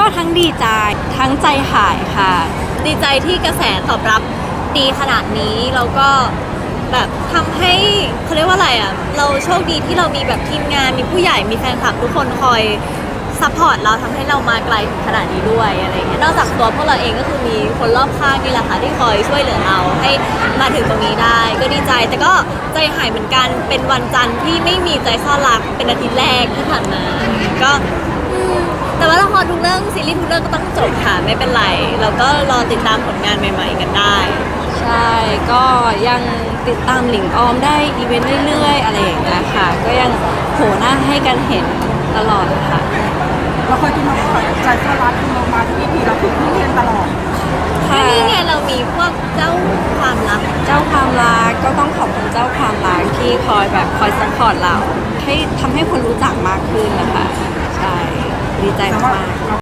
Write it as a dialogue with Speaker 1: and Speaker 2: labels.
Speaker 1: ทั้งดีใจทั้งใจหายค่ะ
Speaker 2: ดีใจที่กระแสตอบรับดีขนาดนี้แล้วก็แบบทำให้เขาเรียกว่าอะไรอ่ะเราโชคดีที่เรามีแบบทีมงานมีผู้ใหญ่มีแฟนคลับทุกคนคอยซัพพอร์ตเราทำให้เรามาไกลถึงขนาดนี้ด้วยอะไรเงี้ยนอกจากตัวพวกเราเองก็คือมีคนรอบข้างนี่แหละค่ะที่คอยช่วยเหลือเราให้มาถึงตรงนี้ได้ก็ดีใจแต่ก็ใจหายเหมือนกันเป็นวันจันทร์ที่ไม่มีใจซ่อนรักเป็นอาทิตย์แรกที่ผ่านมาก็แต่ว่าละครทุกเรื่องซีรีส์ทุกเรื่องก็ต้องจบค่ะไม่เป็นไรเราก็รอติดตามผลงานใหม่ๆกันได้
Speaker 1: ใช่ก็ยังติดตามหลิงออมได้อีเวนต์เรื่อยๆอะไรอย่างเงี้ยค่ะก็ยังโผล่หน้าให้กันเห็นตลอดค่ะ
Speaker 3: เราเคยกินมาก่อนใจก็รักเรามาที่พีเราถูกที่เรียนตลอด
Speaker 1: ค่ะ
Speaker 2: นี่ไงเรามีพวกเจ้าความลับ
Speaker 1: เจ้าความรักก็ต้องขอบคุณเจ้าความรักที่คอยแบบคอยซัพพอร์ตเราให้ทำให้คนรู้จักมากขึ้นนะคะใช่ดีใจมากๆ